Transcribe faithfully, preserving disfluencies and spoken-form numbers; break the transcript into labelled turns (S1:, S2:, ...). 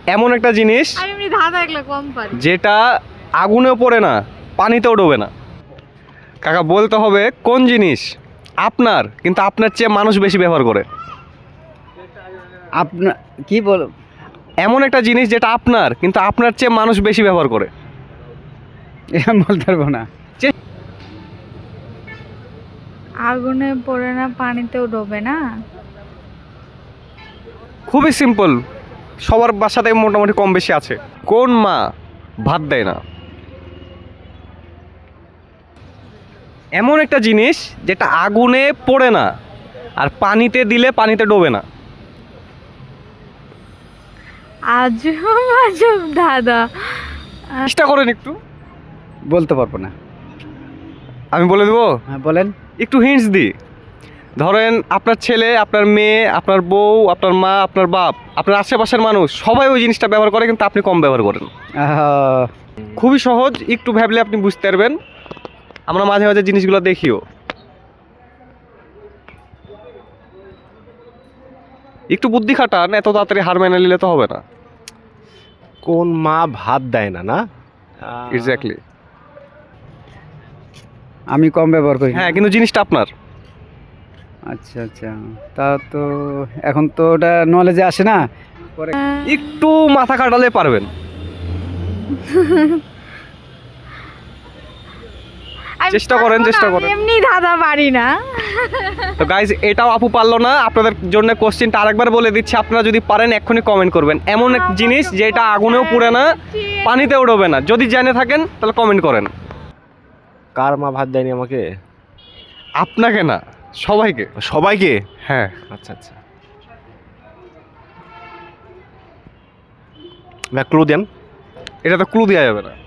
S1: এমন একটা জিনিস
S2: আমি এমনি ধাঁধা এগুলো কম পারি।
S1: যেটা আগুনেও পড়ে না, পানিতেও ডোবে না। কাকা বলতে হবে কোন জিনিস আপনার কিন্তু আপনার চেয়ে মানুষ বেশি ব্যবহার করে।
S3: আপনার কি বল
S1: এমন একটা জিনিস যেটা আপনার কিন্তু আপনার চেয়ে মানুষ বেশি ব্যবহার করে।
S3: এটা বলতে পারবো না।
S2: আগুনে পড়ে না, পানিতেও ডোবে না।
S1: খুবই সিম্পল, সবার বাসাতে মোটামুটি কম বেশি আছে। কোন মা ভাত দেয় না? এমন একটা জিনিস যেটা আগুনে পড়ে না আর পানিতে দিলে পানিতে ডোবে না।
S2: আজব আজব দাদা।
S1: চেষ্টা করেন একটু।
S3: বলতে পারবো না।
S1: আমি বলে দেবো,
S3: হ্যাঁ বলেন।
S1: একটু হিন্টস দিই। ধরেন আপনার ছেলে, আপনার মেয়ে, আপনার বউ, আপনার মা, আপনার বাপ, আপনার আশেপাশের মানুষ সবাই ওই জিনিসটা ব্যবহার করে কিন্তু আপনি কম ব্যবহার করেন।
S3: আহ,
S1: খুবই সহজ, একটু ভাবলে আপনি বুঝতে পারবেন। আমরা মাঝে মাঝে জিনিসগুলো দেখিও। একটু বুদ্ধি খাটান, এত তাড়াতাড়ি হার মেনে নিলে তো হবে না।
S4: কোন মা ভাত দেয় না? না
S1: এক্স্যাক্টলি।
S3: আমি কম ব্যবহার করি।
S1: হ্যাঁ, কিন্তু জিনিসটা আপনার।
S3: আচ্ছা আচ্ছা, তা তো এখন তো ওটা নলেজে আসে না। পরে
S1: একটু মাথা খাটালে পারবেন।
S2: আমি
S1: চেষ্টা করেন,
S2: পারবো না,
S1: চেষ্টা
S2: আমি
S1: করেন।
S2: এমনি ধাঁধা পারি না।
S1: তো গাইজ, এটাও আপু পারলো না। আপনাদের জন্য কোশ্চেনটা আরেকবার বলে দিচ্ছি, আপনারা যদি পারেন এক্ষুনি কমেন্ট করবেন। এমন এক জিনিস যেটা আগুনেও পুড়ে না, পানিতেও ডোবে না। যদি জেনে থাকেন তাহলে কমেন্ট করেন।
S4: কার মা ভাত দেয়নি আমাকে?
S1: আপনাকে না, সবাইকে।
S4: সবাইকে?
S1: হ্যাঁ,
S4: আচ্ছা আচ্ছা, ক্লু দেন।
S1: এটা তো ক্লু দেওয়া যাবে না।